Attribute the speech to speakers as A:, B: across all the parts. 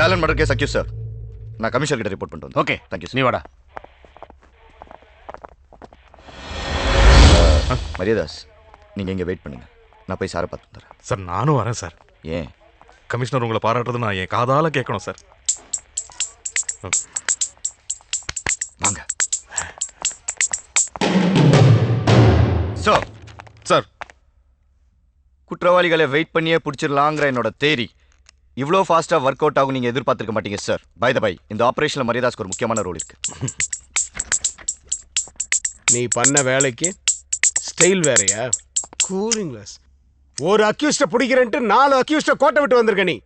A: Dayalan murder case accused sir. நான் commissioner கிட்ட report பண்ணிட்டு
B: ஓகே
A: தேங்க்யூ.
B: நீ வாடா.
A: மரியாதாஸ், நீங்கள் இங்கே வெயிட் பண்ணுங்க, நான் போய் சாரை பார்த்து வந்துடுறேன்.
C: சார் நானும் வரேன் சார்.
A: ஏன்?
C: கமிஷனர் உங்களை பாராட்டுறது நான் என் காதால கேட்கணும் சார்.
A: வாங்க சார்.
C: சார்,
A: குற்றவாளிகளை வெயிட் பண்ணியே பிடிச்சிடலாங்கிற என்னோட தேரி இவ்வளோ ஃபாஸ்ட்டாக ஒர்க் அவுட் ஆகும் நீங்கள் எதிர்பார்த்துருக்க மாட்டீங்க சார். பை த பை, இந்த ஆப்ரேஷனில் மரியாதாஸ்க்கு ஒரு முக்கியமான ரோல் இருக்கு.
D: நீ பண்ண வேலைக்கு ஸ்டைல் வேறையா? Cooling glass. ஒரு அக்யூஸ்ட பிடிக்கிறேன்ட்டு 4 அக்யூஸ்ட கோட்டை விட்டு வந்திருக்க நீ.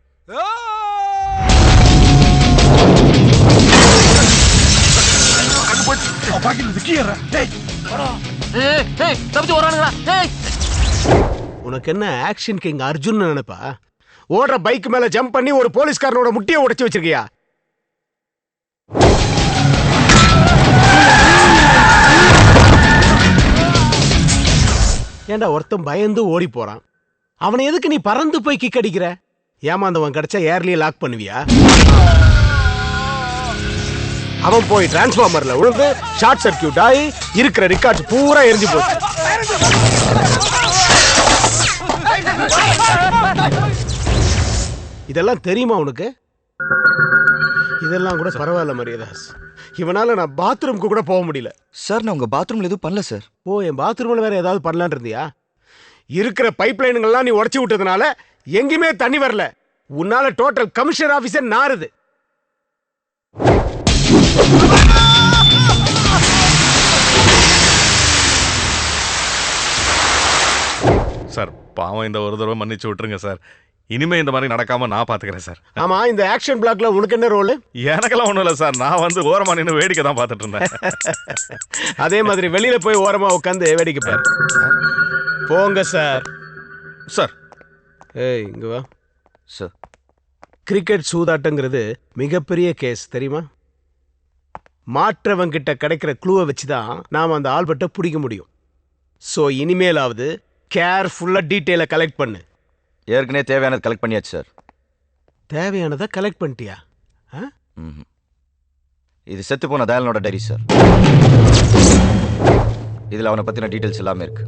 D: உனக்கு என்ன ஆக்ஷன் கிங் அர்ஜுன் நினைப்பா? ஓடுற பைக் மேல ஜம்ப் பண்ணி ஒரு போலீஸ்காரனோட முட்டியை உடைச்சு வச்சிருக்கியா? ஏண்டா ஒருத்தன் பயந்து ஓடி போறான், அவனை எதுக்கு நீ பறந்து போய் கிக் அடிக்கிற? ஏமாந்தவன் கிடைச்சா ஏர்லயே லாக் பண்ணுவியா? அவன் போய் டிரான்ஸ்ஃபார்மர்ல விழுந்து ஷார்ட் சர்க்கியூட் ஆகி இருக்கிற ரிகார்ட்ஸ் பூரா எரிஞ்சு போச்சு. இதெல்லாம் தெரியுமா உனக்கு? இதெல்லாம் கூட பரவாயில்ல மரியாதாஸ், இவனால நான் பாத்ரூம்க்கு கூட போக முடியல.
A: சார், நான் உங்கள் பாத்ரூமில் எதுவும் பண்ணல சார்.
D: ஓ, என் பாத்ரூம்ல வேற ஏதாவது பண்ணலான் இருந்தியா? இருக்கிற பைப் லைனுங்கள்லாம் நீ உடச்சி விட்டதுனால எங்கேயுமே தண்ணி வரல. உன்னால டோட்டல் கமிஷனர் ஆபீஸர் நாறுது.
C: சார் பாவம், இந்த ஒரு தடவை மன்னிச்சு விட்டுருங்க சார். இனிமே இந்த மாதிரி நடக்காம நான் பாத்துக்கிறேன் சார்.
D: ஆமா, இந்த ஆக்ஷன் பிளாக்ல உனக்கு என்ன ரோல்?
C: எனக்கெல்லாம் ஒண்ணும் இல்லை சார், நான் வந்து ஓரமா நின்று வேடிக்கை தான் பார்த்துட்டு இருந்தேன்.
D: அதே மாதிரி வெளியில போய் ஓரமா உட்காந்து வேடிக்கை பாரு. போங்க சார்.
C: சார்,
D: ஏய் இங்க வா
A: சார்.
D: கிரிக்கெட் சூதாட்டங்கிறது மிகப்பெரிய கேஸ் தெரியுமா? மாற்றவங்கிட்ட கிடைக்கிற க்ளூவை வச்சு தான் நாம் அந்த ஆல்பர்ட்டை பிடிக்க முடியும். ஸோ இனிமேலாவது கேர்ஃபுல்லாக டீட்டெயிலை கலெக்ட் பண்ணு.
A: ஏற்கனவே தேவையானது கலெக்ட் பண்ணியாச்சு சார்.
D: தேவையானதை கலெக்ட் பண்ணிட்டியா?
A: இது செத்து போன தயாலனோட டைரி சார். இதில் அவனை பற்றின டீட்டெயில்ஸ் எல்லாமே இருக்கு.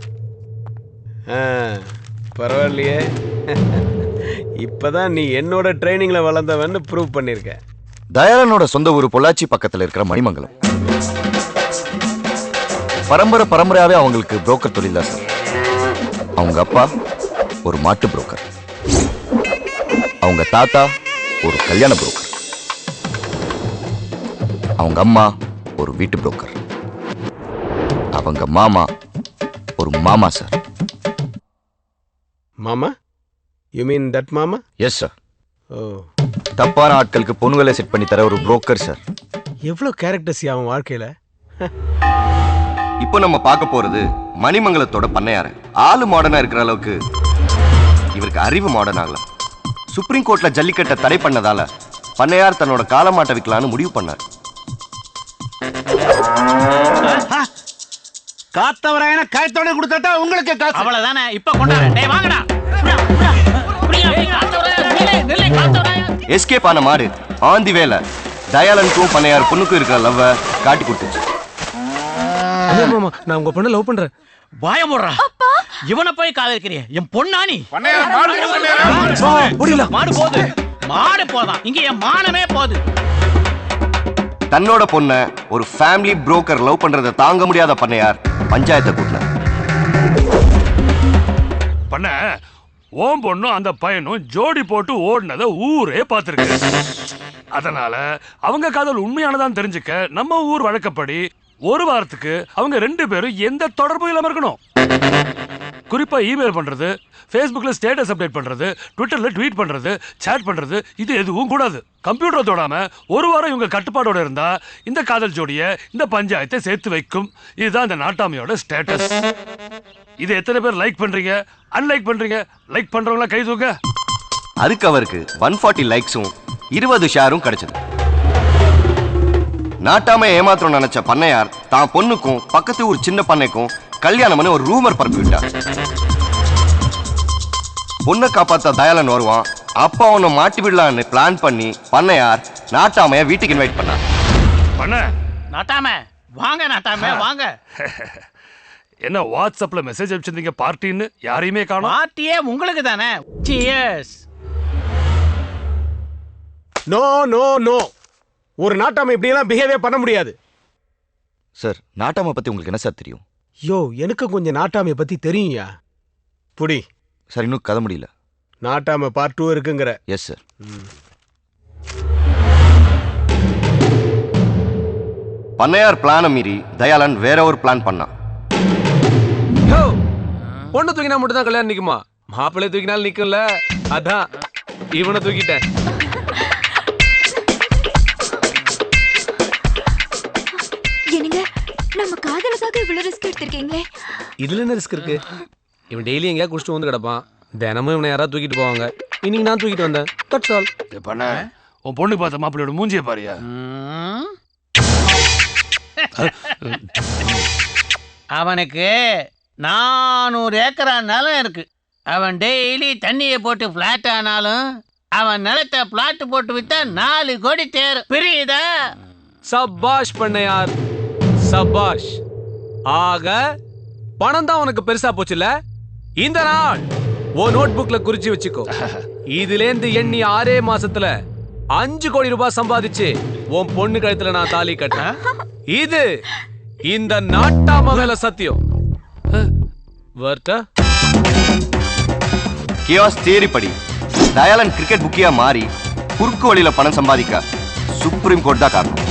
D: பரவாயில்லையே, இப்போதான் நீ என்னோட ட்ரைனிங்கில் வளர்ந்தவன்னு ப்ரூவ் பண்ணியிருக்க.
A: தயாலனோட சொந்த ஊர் பொள்ளாச்சி பக்கத்தில் இருக்கிற மணிமங்கலம். பரம்பரையாவே அவங்களுக்கு புரோக்கர் தொழில் தான் சார். அவங்க அப்பா ஒரு மாட்டு புரோக்கர், அவங்க தாத்தா ஒரு கல்யாண புரோக்கர், அவங்க அம்மா ஒரு வீட்டு புரோக்கர், அவங்க மாமா ஒரு மாமா சார்.
D: மாமா? யூ மீன் தட் மாமா?
A: Yes sir.
D: ஓ,
A: தப்பான ஆட்களுக்கு பொண்ணுகளை செட் பண்ணி தர ஒரு புரோக்கர் சார்.
D: எவ்வளோ கேரக்டர்ஸ் அவன் வாழ்க்கையில.
E: இப்போ நம்ம பார்க்க போறது மணிமங்கலத்தோட பண்ணையார. ஆளு மாடர்னா இருக்கிற அளவுக்கு இவருக்கு அறிவு மாடர்ன் ஆகல. சுப்ரீம் கோர்ட்ல ஜல்லிக்கட்டை தடை பண்ணதால பண்ணையார் தன்னோட காலமாட்டை விற்கலான்னு முடிவு பண்ணார்.
B: காத்தவராயன கயத்தோட கொடுத்தா உங்களுக்கு காசு
F: அவ்வளவுதானே. இப்ப கொண்டாரு. டேய் வாங்கடா.
E: எஸ்கேப் ஆன மாடு ஆந்தி வேலை தயாலனுக்கும் பண்ணையார் பொண்ணுக்கும் இருக்கிற லவ்வ காட்டி கொடுத்துச்சு.
D: மாமா, நான் உங்க பொண்ணை லவ் பண்றேன்.
F: வாய போடுறா. இவனை போய் காதலிக்கிறிய? என் பொண்ணானி மாடு போது, மாடு போதான், இங்க என் மானமே போது.
E: தன்னோட பொண்ண ஒரு ஃபேமிலி புரோக்கர் லவ் பண்றதை தாங்க முடியாத பண்ணையார் பஞ்சாயத்தை கூட்டினார்.
G: பண்ண ஓம் பொண்ணும் அந்த பையனும் ஜோடி போட்டு ஓடினதை ஊரே பார்த்துருக்கு. அதனால அவங்க காதல் உண்மையானதான் தெரிஞ்சுக்க நம்ம ஊர் வழக்கப்படி ஒரு வாரத்துக்கு அவங்க 2 பேரும் எந்த தொடர்பும் இல்லாம இருக்கணும். குறிப்பா இமெயில் பண்றது, ஃபேஸ்புக்ல ஸ்டேட்டஸ் அப்டேட் பண்றது, ட்விட்டர்ல ட்வீட் பண்றது, சேட் பண்றது, இது எதுவும் கூடாது. கம்ப்யூட்டரை தொடாம ஒரு வாரம் இவங்க கட்டுப்பாடோட இருந்தா இந்த காதல் ஜோடியை இந்த பஞ்சாயத்தை சேர்த்து வைக்கும். இதுதான் இந்த நாட்டாமையோட ஸ்டேட்டஸ். இது எத்தனை பேர் லைக் பண்றீங்க, அன்லைக் பண்றீங்க? லைக் பண்றவங்களா கை தூக்க.
E: அதுக்கு அவருக்கு 140 லைக்ஸும் 20 ஷேரும் கிடைச்சது. நாட்டாம ஏமாத்திரம் நினைச்ச பண்ணையார் தான் பொண்ணுக்கும் பக்கத்து ஊர் சின்ன பண்ணைக்கும் கல்யாணம் ஒரு ரூமர் பரப்பி விட்டார். பொண்ணை காப்பாத்த தயாலன் வருவான், அப்பா அவனை மாட்டி விடலான்னு பிளான் பண்ணி பண்ணையார் நாட்டாமைய வீட்டுக்கு இன்வைட் பண்ணார்.
G: பண்ண
F: நாட்டாம வாங்க, நாட்டாம வாங்க.
G: என்ன வாட்ஸ்அப்ல மெசேஜ் அனுப்பிச்சிருந்தீங்க பார்ட்டின்னு, யாரையுமே காணோம்.
F: பார்ட்டியே உங்களுக்கு தானே. சியர்ஸ்.
D: நோ நோ நோ, ஒரு நாட்டாம இப்படியெல்லாம் பிஹேவியே பண்ண முடியாது.
A: சார் நாட்டாமை பத்தி உங்களுக்கு என்ன சார் தெரியும்?
D: யோ, எனக்கு கொஞ்சம் நாட்டாமைய பத்தி தெரியும்யா. புடி.
A: சார் இன்னும் கதை முடியல.
D: நாட்டாம பார்ட் 2 இருக்குங்கிற.
A: Yes sir.
E: பண்ணையார் பிளானை மீறி தயாளன் வேற ஒரு பிளான் பண்ணான்.
H: பொண்ணு தூக்கினா மட்டும் தான் கல்யாணம் நிக்குமா? மாப்பிள்ளை தூக்கினாலும் நிக்கும்ல, அதான் இவனை தூக்கிட்டேன்.
I: என்னங்க, நம்ம காதலுக்காக இவ்வளவு ரிஸ்க் எடுத்திருக்கீங்களே.
H: இதுல என்ன ரிஸ்க் இருக்கு? இவன் டெய்லி எங்கேயா குடிச்சிட்டு வந்து கிடப்பான். தினமும் இவனை யாராவது தூக்கிட்டு போவாங்க. இன்னைக்கு நான் தூக்கிட்டு வந்தேன். That's all.
G: பண்ண உன் பொண்ணு பார்த்த மாப்பிள்ளையோட மூஞ்சிய பாரியா.
F: அவனுக்கு 400 ஏக்கரா நிலம் இருக்கு. அவன் டெய்லி தண்ணியை போட்டு பிளாட் ஆனாலும் அவன் நிலத்தை பிளாட் போட்டு வித்தா 4 கோடி தேரும். புரியுதா?
H: சபாஷ் பண்ணையார், சபாஷ். ஆக பணம் தான் உனக்கு பெருசா போச்சுல. இந்த நாள் ஓ நோட் புக்ல குறிச்சு வச்சுக்கோ. இதுலேந்து எண்ணி 6 மாசத்துல 5 கோடி ரூபாய் சம்பாதிச்சு உன் பொண்ணு கழுத்துல நான் தாலி கட்டேன். இது இந்த நாட்டாம மேல சத்தியம். வர்த்தா
E: கியாஸ் தியரி படி தயாளன் கிரிக்கெட் புக்கியா மாறி குறுக்கு வழியில பணம் சம்பாதிக்க சுப்ரீம் கோர்ட் தான் காரணம்.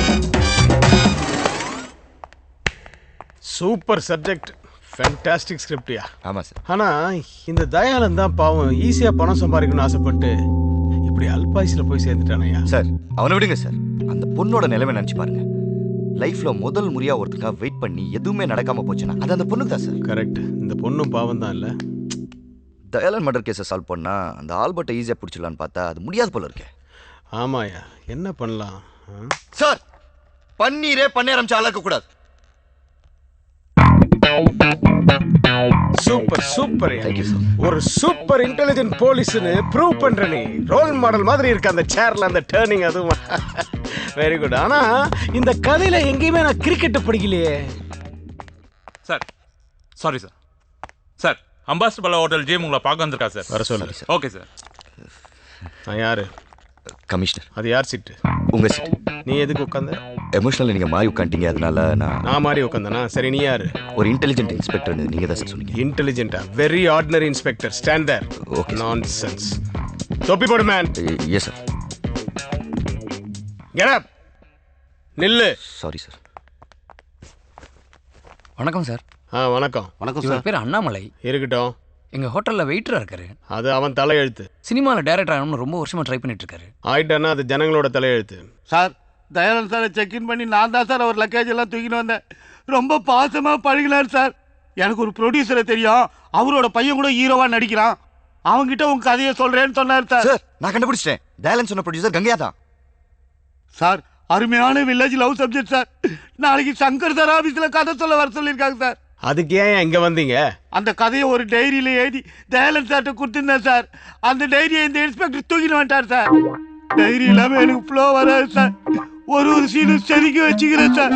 D: சூப்பர் சப்ஜெக்ட், ஃபேண்டாஸ்டிக் ஸ்கிரிப்ட்யா.
A: ஆமா சார்.
D: ஆனா இந்த தயாளன் தான் பாவம் ஈஸியா பணம் சம்பாதிக்கணும்னு ஆசைப்பட்டு இப்படி அல்பாயுஸ்ல போய் சேர்ந்துட்டானயா.
A: சார் அவனை விடுங்க சார். அந்த பொண்ணோட நிலைமை நினைச்சு பாருங்க. லைஃப்ல முதல் முறையா ஒருத்தருக்காக வெயிட் பண்ணி எதுவுமே நடக்காம போச்சுன்னா அது அந்த பொண்ணுக்கு தான் சார்.
D: கரெக்ட். இந்த பொண்ணும் பாவம் தான் இல்ல.
A: தயாளன் மர்டர் கேஸை சால்வ் பண்ணா அந்த ஆல்பர்ட்டை ஈஸியா பிடிச்சிடலான்னு பார்த்தா அது முடியாது போல இருக்கே.
D: ஆமாயா, என்ன பண்ணலாம்?
A: சார் பன்னீரே பண்ண ஆரம்பிச்சு ஆளாக்க கூடாது.
D: Super super.
A: Thank you sir.
D: ஒரு சூப்பர் இன்டெலிஜென்ட் போலீஸ்னு ப்ரூவ் பண்ற நீ. ரோல் மாடல் மாதிரி இருக்கு அந்த சேர்ல அந்த டர்னிங், அதுவும் வெரி குட். ஆனா இந்த கதையில எங்கேயுமே நான் கிரிக்கெட் படிக்கலையே.
J: Sir sorry sir. Sir Ambassador Pallava hotel gym உங்களை பார்க்க வந்திருக்கா சார்.
D: வர சொல்லுங்க சார்.
J: Okay sir.
D: நான் யாரு?
A: கமிஷனர்.
D: அது யார் சீட்டு?
A: உங்க சீட்.
D: நீ எதுக்கு உட்காந்த?
A: எமோஷனல் நீங்க மாறி உட்காந்துட்டீங்க, அதனால
D: நான் மாறி உட்காந்தனா? சரி, நீ யாரு?
A: ஒரு இன்டெலிஜென்ட் இன்ஸ்பெக்டர் நீங்க தான் சார் சொன்னீங்க.
D: இன்டெலிஜென்ட்டா? Very ordinary inspector. Stand there.
A: Okay.
D: Nonsense. தொப்பி போடு man.
A: Yes sir.
D: Get up. நில்லு.
A: Sorry sir.
K: வணக்கம் சார்.
D: வணக்கம்.
B: வணக்கம்
K: இவர்
B: சார்.
K: பேர் அண்ணாமலை.
D: இருக்கட்டும்.
K: எங்க ஹோட்டல்ல வெயிட்டரா இருக்காரு.
D: அது அவன் தலையெழுத்து.
K: சினிமால டைரக்டர் ஆகணும்னு ரொம்ப வருஷமா ட்ரை பண்ணிட்டு இருக்காரு.
D: ஆயிட்டானா அது ஜனங்களோட தலையெழுத்து.
B: சார் தயானந்த் சாரை செக்இன் பண்ணி நான் தான் சார் அவர் லக்கேஜ் எல்லாம் தூக்கின்னு வந்தேன். ரொம்ப பாசமா பழகினார் சார். எனக்கு ஒரு ப்ரொடியூசரை தெரியும், அவரோட பையன் கூட ஹீரோவா நடிக்கிறான். அவங்கிட்ட உங்க கதையை சொல்றேன்னு சொன்னார் சார்.
A: சார் நான் கண்டுபிடிச்சிட்டேன். தயாளன் சொன்ன ப்ரொடியூசர் கங்கையா தான்
B: சார். அருமையான வில்லேஜ் லவ் சப்ஜெக்ட் சார். நாளைக்கு சங்கர் சார் ஆபீஸ்ல கதை சொல்ல வர சொல்லியிருக்காங்க சார்.
D: அதுக்கு ஏன் இங்க வந்தீங்க?
B: அந்த கதையை ஒரு டைரியில எழுதி தயாளன் சார்ட்ட கொடுத்துருந்தேன் சார். அந்த டைரியை இந்த இன்ஸ்பெக்டர் தூக்கிட்டு வந்துட்டார் சார். டைரி இல்லாம எனக்கு ஃப்ளோ வராது சார். ஒரு சீனும் செதுக்கி வச்சுக்கிறேன் சார்.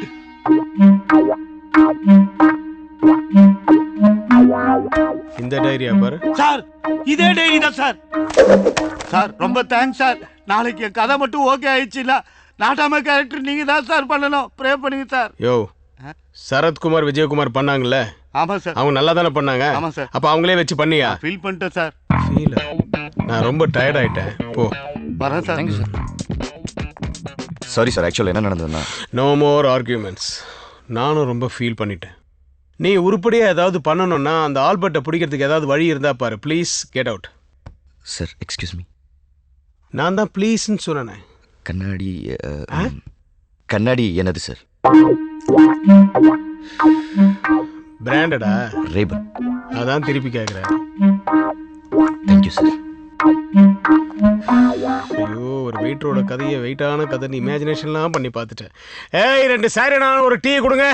D: இந்த டைரியா பாரு
B: சார். இதே டைரி தான் சார். சார் ரொம்ப தேங்க்ஸ் சார். நாளைக்கு என் கதை மட்டும் ஓகே ஆயிடுச்சுன்னா நாட்டாம கேரக்டர் நீங்க தான் சார் பண்ணணும். ப்ரே பண்ணுங்க சார்.
D: யோ, சரத்குமார் விஜயகுமார் பண்ணாங்கல்ல,
B: ஆமா சார்.
D: அவங்க நல்லா தானே பண்ணாங்க?
B: ஆமா சார்.
D: அப்ப அவங்களே வச்சு பண்ணியா?
B: ஃபீல் பண்ணிட்டேன் சார்.
D: ஃபீல்? நான் ரொம்ப டயர்ட் ஆயிட்டேன். போ.
B: வரேன் sir.
K: Thank you sir.
A: Sorry sir. ஆக்சுவலாக என்ன நடந்ததுன்னா
D: நோ மோர் ஆர்கியூமெண்ட்ஸ். நானும் ரொம்ப ஃபீல் பண்ணிட்டேன். நீ உருப்படியா ஏதாவது பண்ணணும்னா அந்த ஆல்பர்ட்டை பிடிக்கிறதுக்கு ஏதாவது வழி இருந்தா பாரு. Please get out.
A: Sir excuse me.
D: நான் தான் ப்ளீஸ்ன்னு சொன்னேன்.
A: கண்ணாடி கண்ணாடி என்னது சார்?
D: பிராண்டடா?
A: ரேபன்.
D: அதான் திருப்பி கேட்குறேன்.
A: Thank you sir.
D: ஐயோ, ஒரு வெயிட்டரோட கதையை வெயிட்டான கதை நீ இமேஜினேஷன்லாம் பண்ணி பார்த்துட்டேன். ஏய், 2 சாரினா ஒரு டீ கொடுங்க.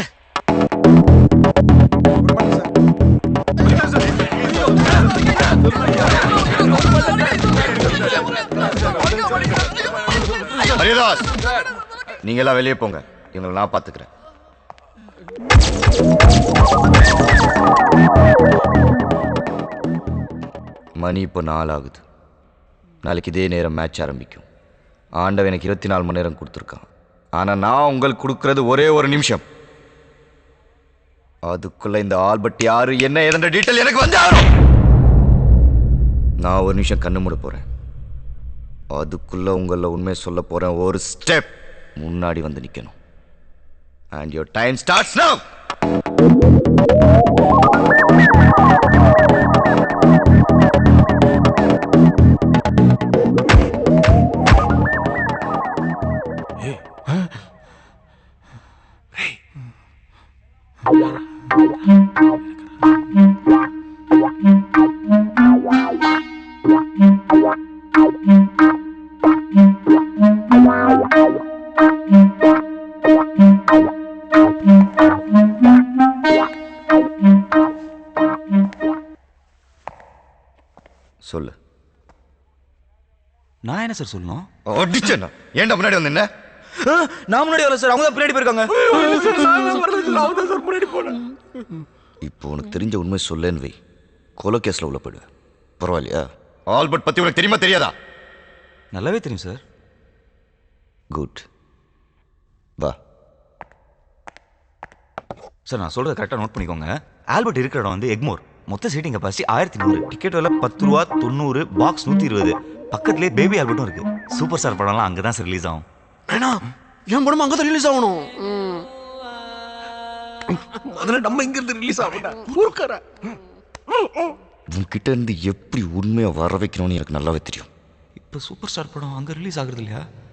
A: ஹரிதாஸ், நீங்க எல்லாம் வெளியே போங்க, இவங்களை நான் பாத்துக்கிறேன். மணி இப்போ 4 ஆகுது. நாளைக்கு இதே நேரம் மேட்ச் ஆரம்பிக்கும். ஆண்டவன் எனக்கு 24 மணி நேரம் கொடுத்துருக்கான். ஆனால் நான் உங்களுக்கு கொடுக்கறது ஒரே ஒரு நிமிஷம். அதுக்குள்ள இந்த ஆல்பர்ட் யாரு என்ன ஏதென்ற டீட்டெயில் எனக்கு வந்து ஆகணும். நான் ஒரு நிமிஷம் கண்ணு மூட போறேன். அதுக்குள்ள உங்கள உண்மை சொல்ல போறேன். ஒரு ஸ்டெப் முன்னாடி வந்து நிக்கணும். And your time starts now. சொல்லு.
L: நான் என்ன சார் சொல்லணும்?
A: அடிச்சேன்னா ஏன்டா முன்னாடி வந்து என்ன?
L: நான் முன்னாடி வரல சார், அவங்க தான் பின்னாடி போயிருக்காங்க.
A: இப்போ உனக்கு தெரிஞ்ச உண்மை சொல்லேன்னு வை, கொலை கேஸ்ல உள்ள போயிடுவேன். பரவாயில்லையா? ஆல்பர்ட் பத்தி உனக்கு தெரியுமா தெரியாதா?
L: நல்லாவே தெரியும் சார்.
A: குட், வா.
L: சார் நான் சொல்றதை கரெக்டாக நோட் பண்ணிக்கோங்க. ஆல்பர்ட் இருக்கிற இடம் வந்து எக்மோர். மொத்த சீட்டிங் கெப்பாசிட்டி 1100. டிக்கெட் விலை 10 ரூபா, 90, பாக்ஸ் 120. பக்கத்துலேயே பேபி ஆல்பர்ட்டும் இருக்கு. சூப்பர் ஸ்டார் படம்லாம் அங்கே தான் சார் ரிலீஸ் ஆகும்.
D: வேணா, என் படம் அங்கே தான் ரிலீஸ் ஆகணும். அதில் நம்ம இங்கிருந்து ரிலீஸ் ஆகணும்.
A: உன்கிட்ட இருந்து எப்படி உண்மையை வர வைக்கணும்னு எனக்கு நல்லாவே தெரியும்.
L: இப்போ சூப்பர் ஸ்டார் படம் அங்கே ரிலீஸ் ஆகுறது இல்லையா?